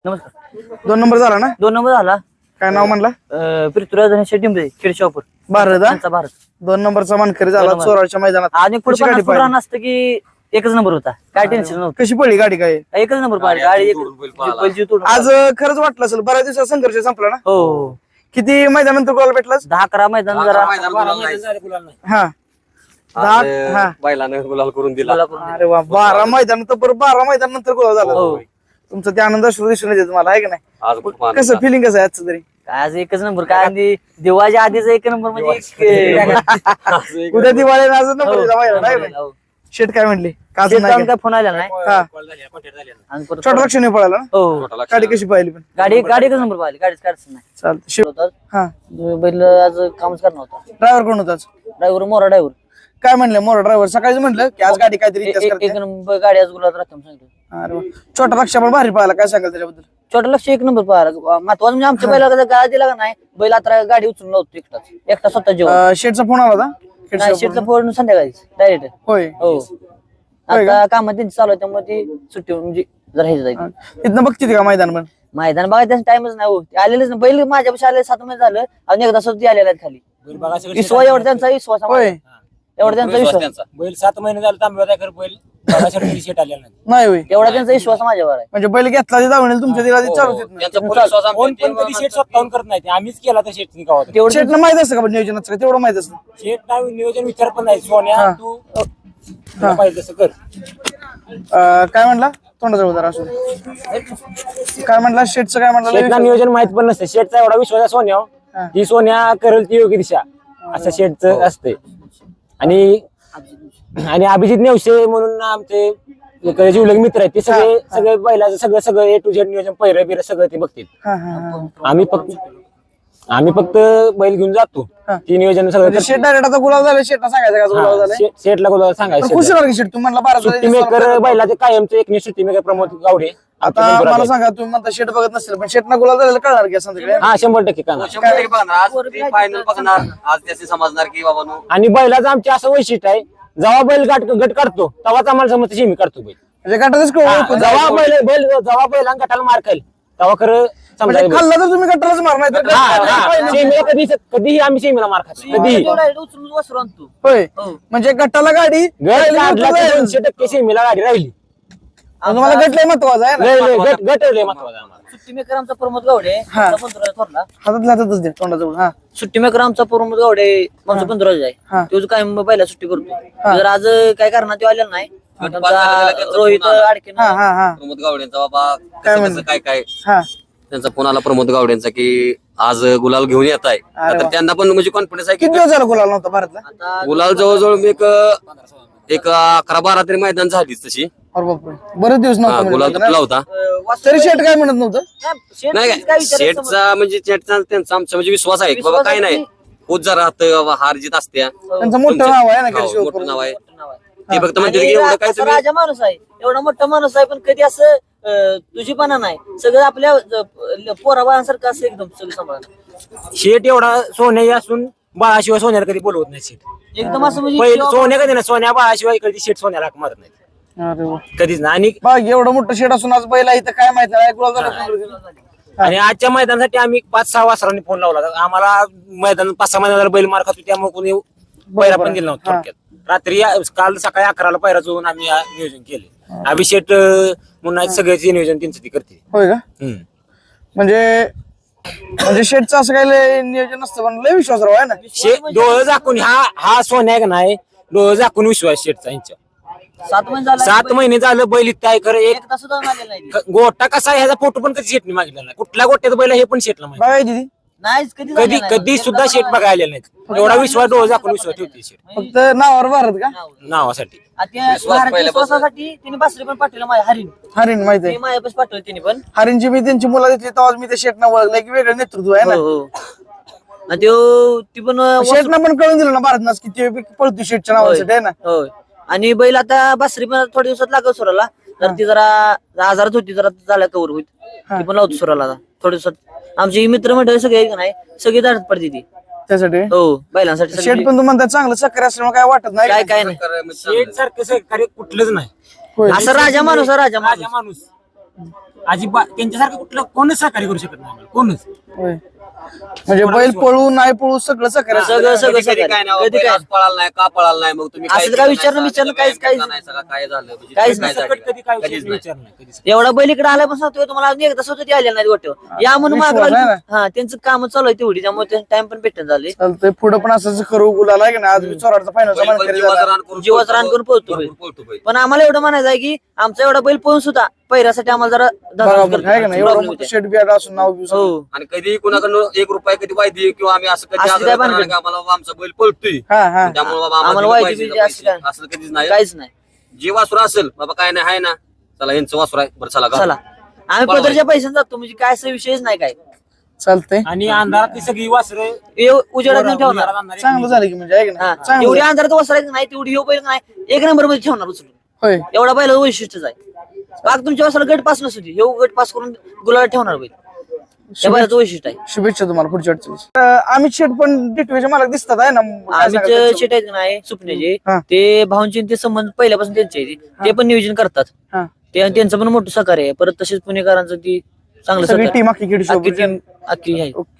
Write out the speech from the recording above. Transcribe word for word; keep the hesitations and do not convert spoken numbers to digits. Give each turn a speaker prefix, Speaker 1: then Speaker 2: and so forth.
Speaker 1: नमस्कार.
Speaker 2: दोन नंबर झाला ना?
Speaker 1: दोन नंबर झाला.
Speaker 2: काय नाव म्हणला?
Speaker 1: पृथ्वीराज शेट्टी खेडशापूर
Speaker 2: भारत.
Speaker 1: त्यांचा भारत
Speaker 2: दोन नंबरचा मानकरी झाला चोराच्या मैदानात.
Speaker 1: आणि पुढे पन्नास फूट रन असतं की एकच नंबर होता. काय टेन्शन नव्हतं.
Speaker 2: कशी पडली गाडी? काय
Speaker 1: एकच नंबर पाहिजे गाडी एक-
Speaker 2: आज खरंच वाटलं असेल, बऱ्याच दिवसात संघर्ष संपला ना?
Speaker 1: हो.
Speaker 2: किती मैदानानंतर गोल भेटला?
Speaker 1: दहा अकरा मैदान जरा
Speaker 2: हा दहा हा
Speaker 3: बैलानं गुलाल करून दिला.
Speaker 2: अरे वा, बारा मैदान तर बरं, बारा मैदान नंतर गोल झाला.
Speaker 1: हो.
Speaker 2: तुमचं ते आनंद अश्रू दिसून येते तुम्हाला, आहे का नाही?
Speaker 3: आज खूप आनंद
Speaker 2: कसं फिलिंग कसं आहे आजचं तरी?
Speaker 1: आज एकच नंबर काय आणि दिवाळीच्या आधीच एक नंबर म्हणजे एक-
Speaker 2: उद्या दिवाळी आज नंबर
Speaker 1: हो.
Speaker 2: दिला पाहिजे, नाही का?
Speaker 1: हो.
Speaker 2: शेट काय म्हणली? काजून
Speaker 1: शेत
Speaker 2: नाही
Speaker 1: जाऊन
Speaker 2: का?
Speaker 1: काय फोन आला नाही.
Speaker 2: हा
Speaker 1: आणि परत-
Speaker 2: छोटा लक्ष नाही पळाला ना?
Speaker 1: हो.
Speaker 2: गाडी कशी पाहिली पण?
Speaker 1: गाडी गाडी एकच नंबर पाहिली. गाडीच काढच नाही.
Speaker 2: चालतं. शिव
Speaker 1: होता.
Speaker 2: हा
Speaker 1: बैल आज कामच करणार होता.
Speaker 2: ड्रायव्हर कोण होता आज?
Speaker 1: ड्रायव्हर मोरा ड्रायव्हर
Speaker 2: काय म्हणलं मोर ड्रायव्हर? सकाळीच म्हणलं की आज गाडी काहीतरी इतिहास
Speaker 1: एक
Speaker 2: करते.
Speaker 1: नंबर गाडी आज गुलाब राहतो सांगितलं.
Speaker 2: अरे वा. छोटा लक्ष पण भारी पाहिला, काय सांगाल त्याच्याबद्दल?
Speaker 1: छोटा लक्ष एक नंबर पाहिला. महत्वाचं म्हणजे आमच्या बैला गाळा दिला का नाही, बैल आता गाडी उचलून लावतो एकटाच एकटा स्वतः जेवण.
Speaker 2: अं, शेठचा फोन आला होता?
Speaker 1: नाही
Speaker 2: शेठचा
Speaker 1: शेटचा
Speaker 2: फोन?
Speaker 1: फोन संध्याकाळी डायरेक्ट.
Speaker 2: होय.
Speaker 1: हो. आता कामात त्यांची चालू आहे त्यामुळे ती सुट्टी म्हणजे जरा हे जायची.
Speaker 2: तिथनं बघते का मैदान पण?
Speaker 1: मैदान बघा त्याचा टाइमच नाही हो. ते आलेलेच नाही. बैल माझ्यापाशी आले सात महिने झालं आणि एकदा सुद्धा ते आलेले आहेत खाली. विश्वास एवढा त्यांचा विश्वास आहे.
Speaker 2: होय.
Speaker 1: एवढा त्यांचा विश्वास
Speaker 4: बैल सात महिने झाले तांबे कर बैल बघायसाठी शेट आलेला नाही.
Speaker 2: नाही होय.
Speaker 1: एवढा त्यांचा विश्वास माझ्यावर आहे.
Speaker 2: म्हणजे बैल घेतला ते जाऊन तुमच्या दिला ते चालू देत नाही.
Speaker 3: त्यांचा पूर्ण विश्वास आमच्या
Speaker 4: कोण पण कधी शेट स्वतःहून करत नाही. ते आम्हीच केला तर शेट गावात.
Speaker 1: तेवढं
Speaker 2: शेठनं माहित असतं का पण नियोजनाचं? का तेवढं माहित असतं?
Speaker 4: शेट नाव नियोजन विचार पण नाही. सोन्या
Speaker 2: हा.
Speaker 4: तू तुला पाहिजे तसं कर.
Speaker 2: अं, काय म्हणला? तोंडाजवळ जरा असू दे. काय म्हणला? शेठचं काय म्हणलं?
Speaker 4: शेटला नियोजन माहित पण नसते. शेटचा एवढा विश्वास आहे सोन्या
Speaker 2: हा.
Speaker 4: ती सोन्या करेल ती योग्य दिशा असं शेटचं असते. आणि आणि अभिजित नेवसे म्हणून आमचे एक जिवलग मित्र आहेत. ते सगळे सगळे बैलाचं सगळं सगळं ए टू झेड नियोजन पहिरं बिरं सगळं ते बघतील.
Speaker 2: हा हा हा.
Speaker 4: आम्ही फक्त आम्ही फक्त बैल घेऊन जातो. ती नियोजन सगळं
Speaker 2: म्हणजे शेठ डायरेक्ट आता गुलाब झालं, शेठला सांगायचं का गुलाब झालं?
Speaker 4: शे- शेटला बोलावं सांगायचं.
Speaker 2: खुश होणार की शेठ? तुम्ही म्हणला बारा
Speaker 4: सुट्टी मेकर बैलाचे कायमचे एक सुट्टी मेकर प्रमोद गावडे
Speaker 2: आता मला सांगा, तुम्ही म्हणता शेठ बघत नसेल पण शेठना गुलाब झालेलं कळणार की संध्याकाळी?
Speaker 4: हा शंभर टक्के का
Speaker 3: शंभर टक्के बघणार. आज ते फायनल बघणार. आज त्याचे समजणार की बाबा नो
Speaker 4: आणि बैलाचं आमचे असं वैशिष्ट्य आहे, जेव्हा बैल गाठ गट काढतो तेव्हाच आम्हाला समजतं शेमी काढतो बैल.
Speaker 2: म्हणजे गटातच कळू
Speaker 4: हा,
Speaker 2: नको.
Speaker 4: जेव्हा बैल बैल जेव्हा बैला गटाला मार खाईल तेव्हा खरं
Speaker 2: म्हणजे
Speaker 4: समजा
Speaker 2: खाल्ला तर तुम्ही गटालाच मार, नाही तर
Speaker 4: शेमीला कधी कधीही आम्ही शेमीला मार खातो कधीही.
Speaker 1: उचलून वसरू आणतो.
Speaker 2: होय. म्हणजे गटाला गाडी
Speaker 4: गट काढला की दोनशे टक्के शेमीला गाडी राहिली.
Speaker 2: तुम्हाला गट लय महत्वाचा आहे ना?
Speaker 4: लय लय गट गट लय महत्वाचा आम्हाला.
Speaker 1: सुट्टी मेकर आमचा प्रमोद गावडे
Speaker 2: हा.
Speaker 1: आमचा पंधरा थोरला.
Speaker 2: हातातल्या हातातच दे तोंडाजवळ. हा
Speaker 1: सुट्टी मेकर आमचा प्रमोद गावडे आमचा पंधरा
Speaker 2: हा.
Speaker 1: आहे. तो काय पहिला सुट्टी करतो. जर आज काय करणार तो आलेला नाही. आमचा रोहित अडके
Speaker 2: हा हा हा
Speaker 3: प्रमोद गावडेंचा बाबा कसं कसं काय काय
Speaker 2: हा.
Speaker 3: त्यांचा फोन आला प्रमोद गावडेंचा की आज गुलाल घेऊन येत आहे.
Speaker 2: अरे
Speaker 3: तर
Speaker 2: वा.
Speaker 3: त्यांना पण म्हणजे कॉन्फिडन्स आहे की
Speaker 2: किती दिवस झाला गुलाल नव्हता भारतला?
Speaker 1: आता
Speaker 3: गुलाल जवळजवळ मी एक एक अकरा बारा तरी मैदान झालीच तशी.
Speaker 2: अरे बापरे, बरेच दिवस
Speaker 3: हा,
Speaker 2: नव्हता
Speaker 3: गुलाल
Speaker 2: म्हणजे
Speaker 3: तुटला होता.
Speaker 1: अं, वासू-
Speaker 2: तरी शेठ काय म्हणत नव्हतं?
Speaker 1: शेठ
Speaker 3: नाही
Speaker 1: काय
Speaker 3: काय
Speaker 1: विचारायचं समज-
Speaker 3: शेठचा म्हणजे शेठचा त्यांचा आमचा म्हणजे विश्वास आहे की बाबा
Speaker 1: विश्वास
Speaker 3: काय
Speaker 1: आहे
Speaker 3: नाही होत जर राहतं बाबा हार जीत असत्या.
Speaker 2: त्यांचं मोठं
Speaker 3: तुमच्या-
Speaker 2: नाव आहे ना
Speaker 3: हो,
Speaker 2: केशव
Speaker 3: मोठं नाव आहे.
Speaker 1: नाव आहे.
Speaker 3: ते फक्त म्हणते
Speaker 1: आणि
Speaker 3: की एवढं काय
Speaker 1: असा
Speaker 3: तुम्ही
Speaker 1: राजा माणूस आहे, एवढा मोठा माणूस आहे, पण कधी असं अं, तुझीपणा नाही. सगळं आपल्या अं, पोराबाळांसारखं असं एकदम सगळं सांभाळणं.
Speaker 4: शेट एवढा सोन्या असून बाळाशिवाय सोन्याला कधी बोलवत नाही शेट.
Speaker 1: एकदम असं म्हणजे
Speaker 4: पहिले सोन्या कधी ना सोन्या बाळाशिवाय कधी शेट सोन्याला हाक मारत नाही
Speaker 2: अरे वा.
Speaker 4: कधीच ना. आणि
Speaker 2: बघ एवढं मोठं शेठ असून आज बैला इथं काय माहित नाही गुलाल झाला.
Speaker 4: आणि आजच्या मैदानासाठी आम्ही पाच सहा वासरांनी फोन लावला होता. आम्हाला मैदान पाच सहा मैदानाला बैल मार खातो त्यामुळे कोणी पैरा पण दिला नव्हता थोडक्यात. रात्री काल सकाळी अकराला पैरा जोडून आम्ही आ- नियोजन केले. अभिषेक म्हणून सगळ्याचे नियोजन त्यांचं ती करते.
Speaker 2: होय का?
Speaker 4: हम्म.
Speaker 2: म्हणजे म्हणजे शेठचं असं काही लय नियोजन नसतं पण लय विश्वासराव आहे ना.
Speaker 4: शे डोळं झाकून हा हा सोन्या आहे का नाही, डोळं झाकून विश्वास शेटचा यांच्या.
Speaker 1: सात महिने झाला
Speaker 4: सात महिने झालं बैल इथं आहे खरं. एक
Speaker 1: एकदा सुद्धा आलेला नाही.
Speaker 4: ग- गोटा कसा आहे ह्याचा फोटो पण कधी शेटने मागितला नाही. कुठल्या गोट्यात बैल आहे हे पण शेटला माहिती.
Speaker 2: बघायची ती
Speaker 1: नाहीच कधी
Speaker 4: कधी
Speaker 1: झालेला नाही.
Speaker 4: कधी सुद्धा शेट बघायला आलेला नाही. एवढा विश्वास डोळं झाकून विश्वास ठेवते शेट
Speaker 2: फक्त नावावर भारत का?
Speaker 4: नावासाठी.
Speaker 1: आणि त्या महाराष्ट्र विश्वासासाठी तिने बासरी पण पाठवलं माझ्या हरिण.
Speaker 2: हरिण माहित
Speaker 1: ते
Speaker 2: आहे.
Speaker 1: माझ्यापाशी पाठवलं तिने पण.
Speaker 2: हरिणची मी त्यांची मुलं घेतली तेव्हा मी ते शेटना ओळखलं की वेगळं नेतृत्व आहे ना.
Speaker 1: हो, हो. आणि त्यो ती पण
Speaker 2: शेटना पण कळून दिलं ना भारत किती पळतो शेटच्या नावासाठी आहे ना.
Speaker 1: होय. आणि बैल आता बासरी पण थोड्या दिवसात लागत सुराला. तर ती जरा आजारात होती, जरा झाल्या कवर होईल. ती पण लावतो सुराला आता थोड्या दिवसात. आमची मित्र मंडळी सगळे आहेत का नाही, सगळी दाढत पडते ती.
Speaker 2: त्यासाठी
Speaker 1: हो बैलांसाठी
Speaker 2: शेट
Speaker 1: सगळी-
Speaker 2: पण तू म्हणता चांगलं चक्कर असल्यामुळे काय वाटत नाही.
Speaker 1: काय काय नाही.
Speaker 4: शेट सारखं सहकार्य कुठलंच नाही.
Speaker 2: होय.
Speaker 1: असं राजा माणूस आहे, राजा
Speaker 4: राजा
Speaker 1: माणूस.
Speaker 4: माणूस अजिबात त्यांच्यासारखं कुठलं कोणच सहकार्य करू शकत नाही आम्हाला, कोणच.
Speaker 2: होय. म्हणजे बैल पळू नाही पळू सगळं सहकार्य असतं.
Speaker 1: सगळं सगळं
Speaker 3: कधी कधी
Speaker 1: सगळं
Speaker 3: काय नाही
Speaker 1: कधी
Speaker 3: बैल
Speaker 1: काय
Speaker 3: आज पळाला नाही का पळाला नाही मग तुम्ही
Speaker 1: असं
Speaker 3: काय
Speaker 1: काय
Speaker 3: केलं
Speaker 1: विचारणं-
Speaker 3: नाही,
Speaker 1: विचारणं
Speaker 3: सगळं
Speaker 1: काहीच-
Speaker 3: व्यायाम
Speaker 1: काहीच-
Speaker 3: केला नाही, सगळं काय झालं म्हणजे
Speaker 1: काहीच
Speaker 3: काय
Speaker 1: नाही.
Speaker 3: झालं?
Speaker 4: कधी काय
Speaker 3: कधीच नाही.
Speaker 4: विचार नाही कधीच.
Speaker 1: एवढा बैल इकडे आला पण सांगतोय तुम्हाला अजून एकदा स्वतः ती आलेला नाही वाटतं या म्हणून
Speaker 2: विश्वास
Speaker 1: मागं
Speaker 2: आहे
Speaker 1: लागली. हा त्यांचं काम चालू आहे तेवढी त्यामुळे टाइम पण भेटून झाले
Speaker 2: चालतंय पुढे पण असंच करू गुलाल आहे की नाही. आज मी चोराडचा फायनलचा
Speaker 3: बैल पण
Speaker 2: मानकरी
Speaker 3: जीवाचं
Speaker 2: झाला.
Speaker 3: रान करून
Speaker 1: जीवाचं रान करून पळतो बैल.
Speaker 3: भरपूर पळतो बैल.
Speaker 1: पण आम्हाला एवढं म्हणायचं आहे की आमचा एवढा बैल पळून सुद्धा पहिऱ्यासाठी आम्हाला जरा
Speaker 2: बरोबर आहे का नाही. एवढं
Speaker 1: प्रॉब्लेम
Speaker 2: मोठं
Speaker 1: होते.
Speaker 2: शेट बियाड असून नाव बिव सगळं.
Speaker 1: हो
Speaker 3: आणि कधी कुणाकडनं एक रुपया कधी वायदी किंवा आम्ही असं कधी
Speaker 1: असं
Speaker 3: आग्रह
Speaker 1: काय
Speaker 3: करणार
Speaker 1: भानगड?
Speaker 3: की आम्हाला बाबा आमचा बैल पळतोय
Speaker 2: हा हा
Speaker 3: त्यामुळे बाबा
Speaker 1: आम्हाला
Speaker 3: आम्हाला
Speaker 1: वायदी
Speaker 3: पाहिजे
Speaker 1: बियदी असं
Speaker 3: पैसे.
Speaker 1: काय?
Speaker 3: असं कधीच नाही.
Speaker 1: काहीच नाही
Speaker 3: जे वासुर असेल बाबा काय नाही आहे ना चला यांचं वासुर आहे बरं चला
Speaker 1: चला आम्ही
Speaker 3: बरोबर.
Speaker 1: पदरच्या पैशाने जातो म्हणजे काय असं विषयच नाही काय
Speaker 2: चालतंय.
Speaker 4: आणि अंधारात ती सगळी वासरं
Speaker 1: हे उजेडात नाही ठेवणार
Speaker 2: चांगलं झालं की म्हणजे आहे की
Speaker 1: हा
Speaker 2: नाही. चांगलं
Speaker 1: एवढी
Speaker 2: झालं.
Speaker 1: अंधारात वसरायचं नाही तेवढी हे बैल नाही एक नंबर मध्ये ठेवणार उचलून
Speaker 2: होय.
Speaker 1: एवढा बैल वैशिष्ट्यच आहे बाग तुमच्या वासराला गट पास नसू दे हे गट पास करून गुलाला ठेवणार बैल त्या बैलाचं वैशिष्ट्य आहे
Speaker 2: शुभेच्छा तुम्हाला पुढच्या अडचणीस. अमित शेट पण डिटवेचे मालक दिसतात आहे ना. काय
Speaker 1: आम्ही
Speaker 2: सांगाल त्यांचं?
Speaker 1: शेट आहेत का नाही सुपण्याचे
Speaker 2: हा.
Speaker 1: ते भाऊंचे ते संबंध पहिल्यापासून त्यांचे आहेत. ते पण नियोजन करतात
Speaker 2: हा.
Speaker 1: ते त्यांचं पण मोठं सहकार्य आहे परत तसेच पुणेकरांचं ती चांगलं
Speaker 2: सगळी
Speaker 1: सहकार्य
Speaker 2: टीम अख्खी खेळू
Speaker 1: अख्खी
Speaker 2: शकते.
Speaker 1: team अख्खी आहे
Speaker 2: ओके.